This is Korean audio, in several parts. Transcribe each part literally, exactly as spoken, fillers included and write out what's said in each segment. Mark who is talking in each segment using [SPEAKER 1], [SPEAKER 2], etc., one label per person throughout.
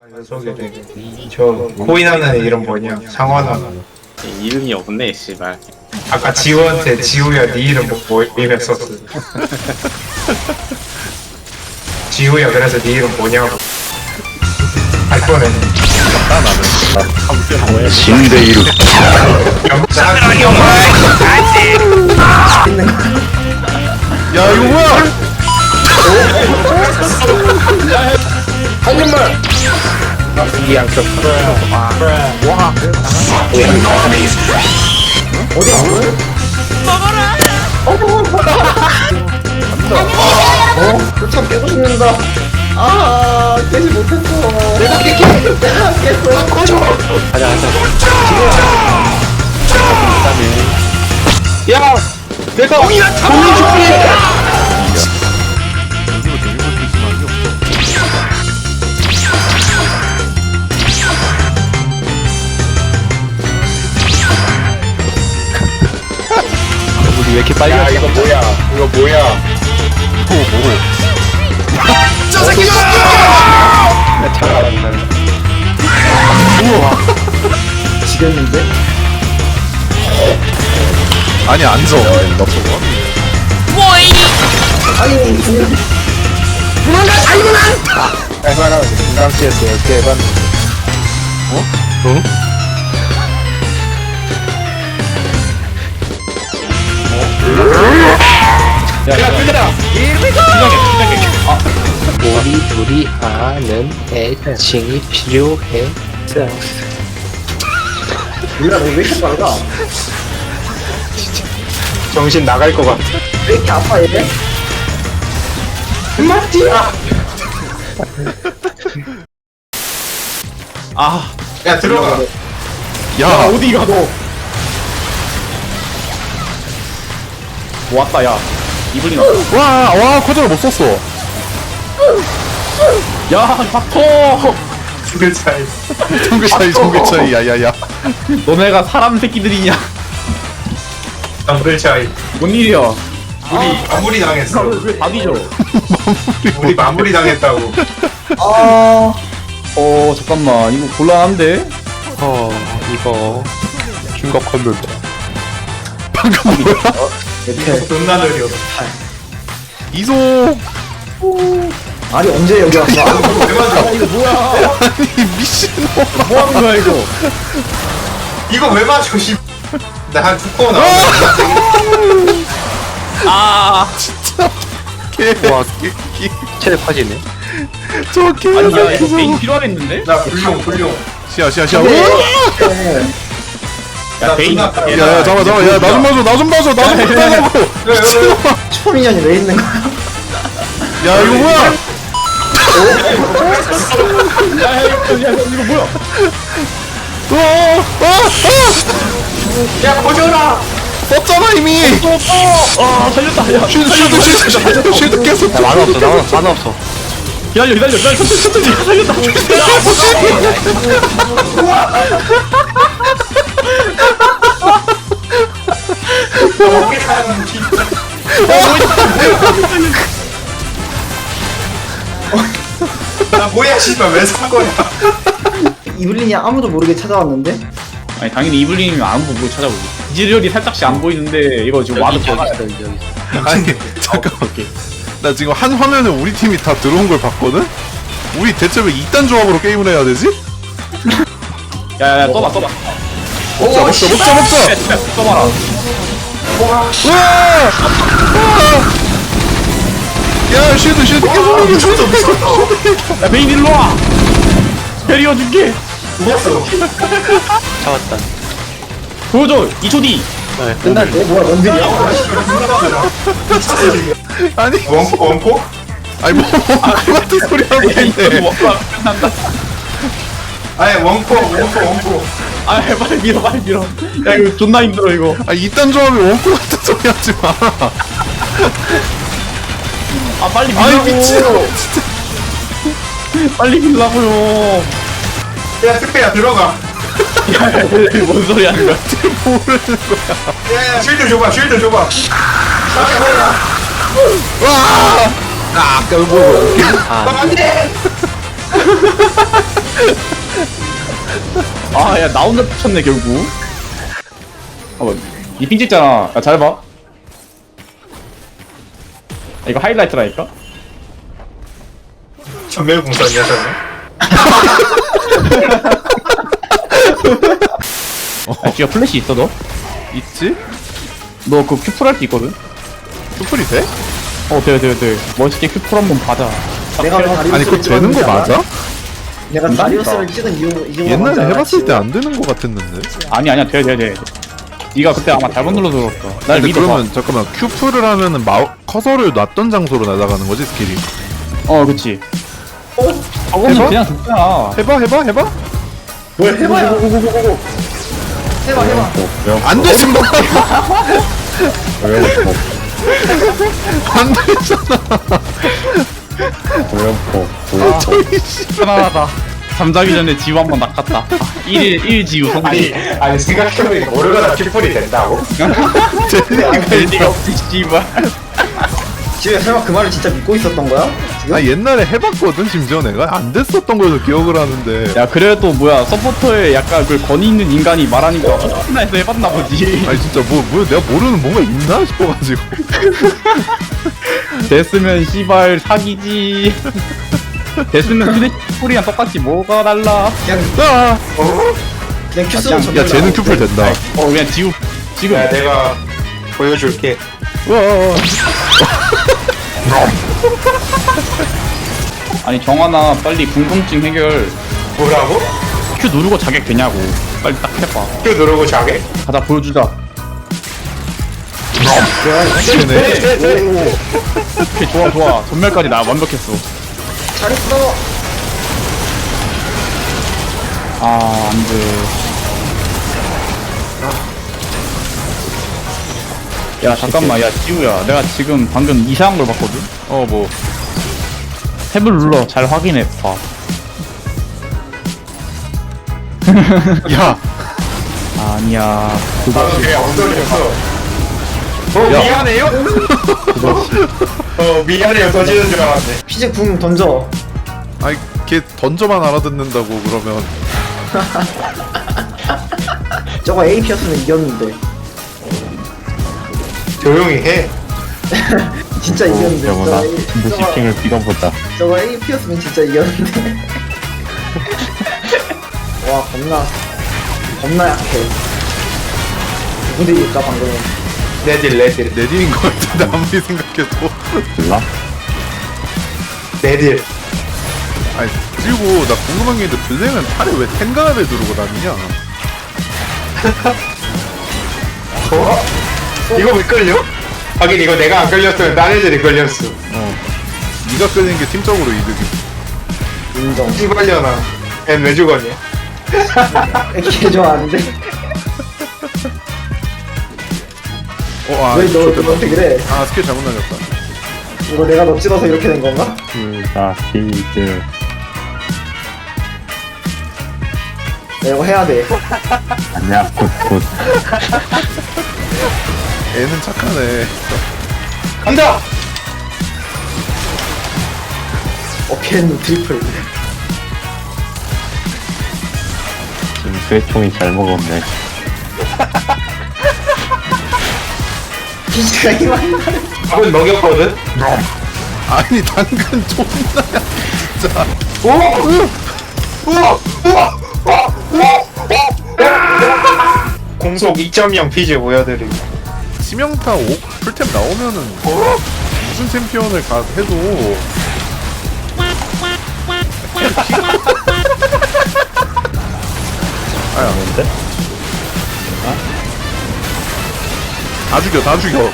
[SPEAKER 1] 소개돼. 저 코인하는 애 이름 뭐냐? 상원아.
[SPEAKER 2] 이름이 없네 씨발.
[SPEAKER 1] 아까 지우한테 지우야 네 이름 뭐, 뭐 이랬었어. 지우야 그래서 네 이름 뭐냐고. 할 뻔했네.
[SPEAKER 3] 신대이루
[SPEAKER 1] 영상 영화.
[SPEAKER 3] 야 이거 뭐야
[SPEAKER 1] 한 입만. 이 양쪽. 와. 와. 어디 안 보여? 먹어라. 어? 참 깨고 싶는다. 아, 깨지 못했어. 내가 깨, 깨, 내가 깼어. 꺼져.
[SPEAKER 2] 가자 가자.
[SPEAKER 1] 야, 내가 공이나 잡아.
[SPEAKER 3] 우리 왜 이렇게 빨리
[SPEAKER 1] 야, 이거 뭐야? 이거 뭐야?
[SPEAKER 3] 또 뭐고
[SPEAKER 1] 저 새끼가!
[SPEAKER 3] 잘 알았네
[SPEAKER 1] 지겠는데?
[SPEAKER 3] 아니 앉아 너 저거
[SPEAKER 1] 얼마나 금강씨였어요? 대박.
[SPEAKER 3] 어? 응?
[SPEAKER 1] 야, 그거다.
[SPEAKER 4] 우리 둘이 하는 애칭이 필요해.
[SPEAKER 1] 몰라, 너왜 이렇게 빨라? 정신 나갈 것 같아. 왜 이렇게 아파, 얘? 마티야!
[SPEAKER 2] 아
[SPEAKER 1] 야, 들어가.
[SPEAKER 3] 야
[SPEAKER 2] 어디 가 너? 뭐 왔다 야. 이블린 왔다.
[SPEAKER 3] 와와 코드를 못 썼어
[SPEAKER 2] 야 박터.
[SPEAKER 1] 죽을 차이.
[SPEAKER 3] 정글 차이 정글 차이 야야야
[SPEAKER 2] 너네가 사람 새끼들이냐?
[SPEAKER 1] 정글 차이.
[SPEAKER 2] 뭔 일이야?
[SPEAKER 1] 우리 마무리 당했어.
[SPEAKER 2] 왜 답이죠?
[SPEAKER 1] 우리 마무리 당했다고.
[SPEAKER 2] 아. 어 잠깐만 이거 곤란한데?
[SPEAKER 4] 어, 이거
[SPEAKER 3] 심각한 데 방금 뭐야
[SPEAKER 1] 존나 느려.
[SPEAKER 3] 이소
[SPEAKER 5] 아니 언제 여기 왔어?
[SPEAKER 1] 왜
[SPEAKER 2] 이거 뭐야?
[SPEAKER 3] 아니 미친놈
[SPEAKER 2] 뭐 하는 거야 이거?
[SPEAKER 1] 이거 왜 맞춰, 씨. 나한 두 번 나와.
[SPEAKER 2] 아.
[SPEAKER 3] 개와
[SPEAKER 4] 체력 빠지네.
[SPEAKER 3] 저 개.
[SPEAKER 2] 아니 야 이거 베인 필요하겠는데?
[SPEAKER 1] 나 불용, 불용.
[SPEAKER 3] 시야 시야 시야
[SPEAKER 2] 야 베인.
[SPEAKER 1] 나 존나-
[SPEAKER 3] 야야 잡아 잡아 야 나 좀 봐줘 나 좀 봐줘 나 좀 봐달라고
[SPEAKER 1] 왜, 왜, 왜?
[SPEAKER 5] 슈퍼미니언이 왜 있는 거야?
[SPEAKER 3] 야 이거 뭐야
[SPEAKER 2] 야 이거 이거 뭐야?
[SPEAKER 3] 어어어
[SPEAKER 1] 야, 거져라!
[SPEAKER 3] 썼잖아 이미
[SPEAKER 2] 아 살렸다. 야
[SPEAKER 3] 쉴드 쉴드 쉴드 쉴드 쉴드 깼어
[SPEAKER 4] 야, 만화 없어, 만화, 만화 없어.
[SPEAKER 2] 기다려 기다려 기다려 천천히 천천히 살렸다.
[SPEAKER 1] 어떻게 사는 진짜. 나 뭐야, 씨발. 왜 산 거야?
[SPEAKER 5] 이블린이 아무도 모르게 찾아왔는데?
[SPEAKER 2] 아니 당연히 이블린이면 아무도 못 찾아보지. 이즈리얼이 살짝씩 안 보이는데 이거 지금 와드
[SPEAKER 4] 여기
[SPEAKER 2] 박아야
[SPEAKER 4] 있어,
[SPEAKER 2] 돼.
[SPEAKER 4] 여기 있어.
[SPEAKER 3] 아니 잠깐만 나 지금 한 화면에 우리 팀이 다 들어온 걸 봤거든? 우리 대체 왜 이딴 조합으로 게임을 해야 되지?
[SPEAKER 2] 야야야 떠봐 떠봐.
[SPEAKER 3] 먹자 먹자 먹자 먹자
[SPEAKER 2] 야 진짜 떠봐라.
[SPEAKER 3] 우와! 야 쉴드 쉴드 계속 이겨 쉴드 계속
[SPEAKER 2] 야 베인 일로 와. 베리어 줄게.
[SPEAKER 1] 죽었어.
[SPEAKER 4] 잡았다.
[SPEAKER 2] 보여줘. 이 초 뒤.
[SPEAKER 4] 네, 끝났네.
[SPEAKER 5] 어 뭐야 런들이야?
[SPEAKER 3] 아니
[SPEAKER 1] 원포, 원포?
[SPEAKER 3] 아니 뭐 똑같은 소리 하고
[SPEAKER 2] 이거
[SPEAKER 3] 있네
[SPEAKER 2] 뭐, 끝난다.
[SPEAKER 1] 아니, 원포, 원포, 원포.
[SPEAKER 2] 아 빨리 밀어 빨리 밀어. 야 이거 존나 힘들어 이거.
[SPEAKER 3] 아 이딴 조합이 원코 같은 소리 하지 마
[SPEAKER 2] 아 빨리 밀라고.
[SPEAKER 3] 아니 미친
[SPEAKER 2] 빨리 밀라고요.
[SPEAKER 1] 야, 특배야, 들어가.
[SPEAKER 2] 야뭔 소리 하는 거야?
[SPEAKER 3] 모르는 거야
[SPEAKER 1] 야, 야, 쉴드 줘봐, 쉴드 줘봐.
[SPEAKER 3] 와!
[SPEAKER 4] 아, 아까 뭐,
[SPEAKER 1] 아, 안 돼!
[SPEAKER 2] 아, 야, 나 혼자 붙였네, 결국. 아, 뭐, 이핑 찍잖아. 야, 잘 봐. 아, 이거 하이라이트라니까?
[SPEAKER 6] 전멸공선이야 저는.
[SPEAKER 2] 아, 지가 플래시 있어, 너?
[SPEAKER 3] 있지?
[SPEAKER 2] 너 그 큐플 할 수 있거든?
[SPEAKER 3] 슈플이 돼?
[SPEAKER 2] 어, 돼, 돼, 돼. 멋있게 큐플 한번 받아.
[SPEAKER 5] 내가 다리우스를
[SPEAKER 3] 아니 그거 되는 거
[SPEAKER 5] 찍었는지 알아?
[SPEAKER 3] 맞아?
[SPEAKER 5] 내가 다리우스를 찍은 이유 이유가
[SPEAKER 3] 옛날에
[SPEAKER 5] 뭔지 알아,
[SPEAKER 3] 해봤을
[SPEAKER 5] 지금?
[SPEAKER 3] 때 안 되는 거 같았는데.
[SPEAKER 2] 아니, 아니야, 돼, 돼, 돼. 니가 그때 아마 잘못 눌러서 그렇다. 날
[SPEAKER 3] 근데
[SPEAKER 2] 믿어봐.
[SPEAKER 3] 그러면 잠깐만 큐프를 하면은 마우 커서를 놨던 장소로 날아가는 거지 스킬이.
[SPEAKER 2] 어, 그치. 저거는
[SPEAKER 3] 해봐?
[SPEAKER 2] 그냥 죽잖아.
[SPEAKER 3] 해봐 해봐 해봐.
[SPEAKER 5] 뭘 해봐야 해봐 해봐
[SPEAKER 3] 안 되지 뭐. 안 되잖아. 저기 씨.
[SPEAKER 2] 편안하다. 잠자기 전에 지우 한번 낚았다. 일 일 일 지우
[SPEAKER 6] 아니
[SPEAKER 2] 성공.
[SPEAKER 6] 아니 생각해보니까 모르가나 큐플이 된다고?
[SPEAKER 2] 벨리가 없지, 씨발.
[SPEAKER 5] 지금 설마 그 말을 진짜 믿고 있었던 거야? 지금?
[SPEAKER 3] 아 옛날에 해봤거든 심지어 내가 안 됐었던 걸로 기억을 하는데.
[SPEAKER 2] 야, 그래도 뭐야, 서포터에 약간 그 권위 있는 인간이 말하니까 혹시나 해서 해봤나 보지.
[SPEAKER 3] 아니 진짜 뭐 뭐 내가 모르는 뭔가 있나 싶어가지고.
[SPEAKER 2] 됐으면 씨발 사기지. 됐으면 휴대폰이랑 똑같이 뭐가 달라.
[SPEAKER 5] 그냥
[SPEAKER 3] 아,
[SPEAKER 5] 그냥 큐 쓰고
[SPEAKER 2] 야,
[SPEAKER 3] 야 쟤는 큐플 된다.
[SPEAKER 2] 어, 그냥 지우. 지금.
[SPEAKER 6] 야 내가 보여줄게.
[SPEAKER 3] 와.
[SPEAKER 2] 아니, 정하나 빨리 궁금증 해결.
[SPEAKER 6] 뭐라고?
[SPEAKER 2] 큐 누르고 자격 되냐고. 빨리 딱 해봐.
[SPEAKER 6] 큐 누르고 자게?
[SPEAKER 2] 가자, 보여주자.
[SPEAKER 3] 쟤네.
[SPEAKER 2] 오케이, 좋아, 좋아. 전멸까지 나 완벽했어.
[SPEAKER 5] 잘했어
[SPEAKER 2] 아, 안 돼. 야, 잠깐만, 야, 지우야. 내가 지금 방금 이상한 걸 봤거든?
[SPEAKER 3] 어 뭐.
[SPEAKER 2] 탭을 눌러. 잘 확인해. 봐.
[SPEAKER 3] 야.
[SPEAKER 2] 아니야.
[SPEAKER 6] 나도 그냥 엉덩이였어. 어 미안해요? 어 미안해요 터지는 줄 알았네.
[SPEAKER 5] 피즈 궁 던져
[SPEAKER 3] 아이 걔 던져만 알아듣는다고 그러면.
[SPEAKER 5] 저거 A 피였으면 이겼는데
[SPEAKER 6] 조용히 해.
[SPEAKER 5] 진짜 이겼는데 저거 A, 저거,
[SPEAKER 2] 비벼보자.
[SPEAKER 5] 저거 A 피였으면 진짜 이겼는데 와 겁나 겁나 약해 누구도 이길까 방금은
[SPEAKER 6] 내딜 내딜
[SPEAKER 3] 내딜인 것 같은데 아무리 생각해도.
[SPEAKER 6] 내딜.
[SPEAKER 3] 아니 그리고 나 궁금한 게 있는데 블랙은 팔에 왜 텐가를 두르고 다니냐?
[SPEAKER 6] 어? 이거 왜 끌려? 하긴 이거 내가 안 끌렸으면 딴 애들이 끌렸어.
[SPEAKER 3] 어. 네가 끌리는 게 팀적으로 이득이.
[SPEAKER 5] 인정
[SPEAKER 6] 씨발려나. 앤 왜 죽었냐?
[SPEAKER 5] 개 좋아하는데
[SPEAKER 3] 어, 아,
[SPEAKER 5] 왜 너
[SPEAKER 3] 좋겠다.
[SPEAKER 5] 너한테 그래
[SPEAKER 3] 아 스킬 잘못 날렸다.
[SPEAKER 5] 이거 내가 너 찍어서 이렇게 된 건가?
[SPEAKER 7] 자, 히즈.
[SPEAKER 5] 나 이거 해야 돼
[SPEAKER 7] 아니야, 굿, 굿.
[SPEAKER 3] 애는 착하네.
[SPEAKER 6] 간다!
[SPEAKER 5] 어켄 트리플
[SPEAKER 7] 지금 쇠총이 잘 먹었네.
[SPEAKER 5] 피즈가 힘많이 나네
[SPEAKER 6] 밥은 먹였거든?
[SPEAKER 3] 아니 당근 존나 진짜.
[SPEAKER 6] 오! 우와! 우와! 우와! 우와! 공속 이 점 영 피지 보여드리고.
[SPEAKER 3] 치명타 오 풀템 나오면은 무슨 챔피언을 가 해도. 아야 뭔데? 다 죽여 다 죽여.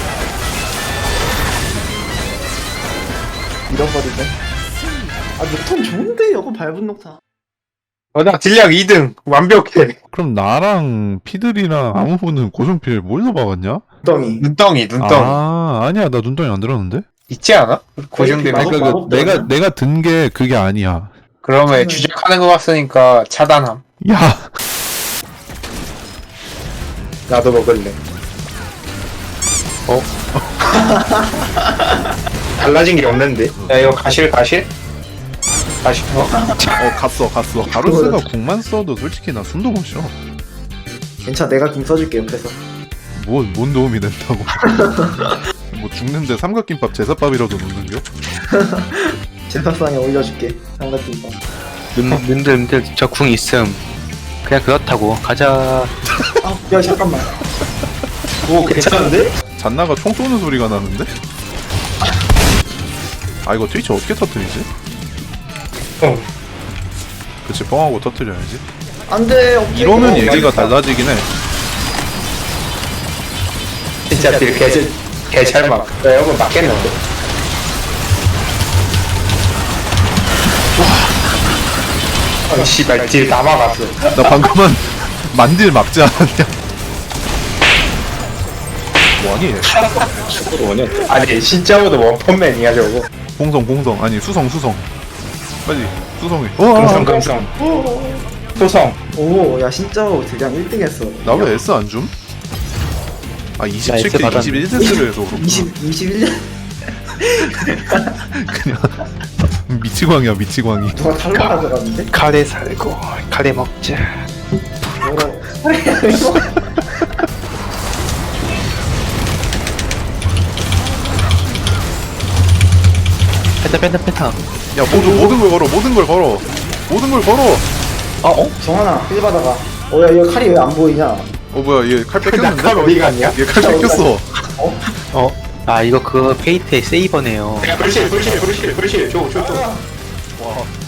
[SPEAKER 5] 잃어버리네 아 녹턴 좋은데 이거 밟은 녹타
[SPEAKER 6] 어, 나 딜량 이 등. 완벽해.
[SPEAKER 3] 그럼 나랑 피들이랑 아무 분은 고정필 뭘로 박았냐?
[SPEAKER 5] 덩이
[SPEAKER 6] 눈덩이, 눈덩이.
[SPEAKER 3] 아 아니야 나 눈덩이 안 들었는데.
[SPEAKER 6] 있지 않아? 고정되면.
[SPEAKER 5] 마법-
[SPEAKER 3] 그러니까 그
[SPEAKER 5] 마법
[SPEAKER 3] 내가
[SPEAKER 5] 들었나?
[SPEAKER 3] 내가 든 게 그게 아니야.
[SPEAKER 6] 그러면 주작하는 거 같으니까 차단함.
[SPEAKER 3] 야
[SPEAKER 6] 나도 먹을래. 어? 달라진 게 없는데? 야, 이거 가실, 가실? 다시 어?
[SPEAKER 3] 어 갔어 갔어. 바루스가 궁만 써도 솔직히 나 숨도 못 쉬어.
[SPEAKER 1] 괜찮아, 내가 궁 써줄게 옆에서.
[SPEAKER 3] 뭔, 뭔 도움이 된다고. 뭐 죽는데 삼각김밥 제사밥이라도 넣는겨?
[SPEAKER 1] 제사상에 올려줄게. 삼각김밥.
[SPEAKER 4] 님들 님들 저 궁 있음. 그냥 그렇다고 가자.
[SPEAKER 1] 아, 야 잠깐만.
[SPEAKER 6] 오 괜찮은데?
[SPEAKER 3] 잔나가 총 쏘는 소리가 나는데? 아 이거 트위치 어떻게 터뜨리지?
[SPEAKER 6] 어
[SPEAKER 3] 그치 뻥하고 터뜨려야지.
[SPEAKER 1] 안돼. 어,
[SPEAKER 3] 이러면
[SPEAKER 1] 어,
[SPEAKER 3] 얘기가
[SPEAKER 1] 맛있다.
[SPEAKER 3] 달라지긴 해.
[SPEAKER 6] 진짜 딜 개잘 개잘 막. 나 여러분 맞겠는데? 와. 아 씨발 딜 다 막았어.
[SPEAKER 3] 나 방금은 만딜 막지 않았냐? 뭐하니 얘?
[SPEAKER 6] 축구로 원형. 아니 진짜로도 원펀맨이야 저거.
[SPEAKER 3] 공성 공성 아니 수성 수성 빨리 수성해.
[SPEAKER 6] 금성
[SPEAKER 3] 어,
[SPEAKER 6] 금성. 소성.
[SPEAKER 1] 오, 야 진짜로 대장 일 등 했어.
[SPEAKER 3] 나왜 S 안 줌? 아 이십칠 킬
[SPEAKER 4] 받았네.
[SPEAKER 3] 이십일 세트를 해서 그렇구나.
[SPEAKER 1] 이십, 이십일 년
[SPEAKER 3] 그냥 미치광이야 미치광이.
[SPEAKER 1] 누가 탈락 가져갔는데?
[SPEAKER 4] 카레 살고 카레 먹자.
[SPEAKER 1] 뭐라.
[SPEAKER 4] 펜타 펜타 펜타.
[SPEAKER 3] 야 모든 모든 걸 걸어 모든 걸 걸어 모든 걸 걸어.
[SPEAKER 1] 아, 어? 정하나, 힐 받아가. 어, 야, 이거 칼이 왜 안 보이냐?
[SPEAKER 3] 어 뭐야 얘 칼 뺏겼는데?
[SPEAKER 6] 칼 어디 갔냐?
[SPEAKER 3] 얘 칼 뺏겼어.
[SPEAKER 4] 어? 아 이거 그 페이트의 세이버네요.
[SPEAKER 6] 야 불실 불실 불실 불실. 줘줘 줘.
[SPEAKER 3] 와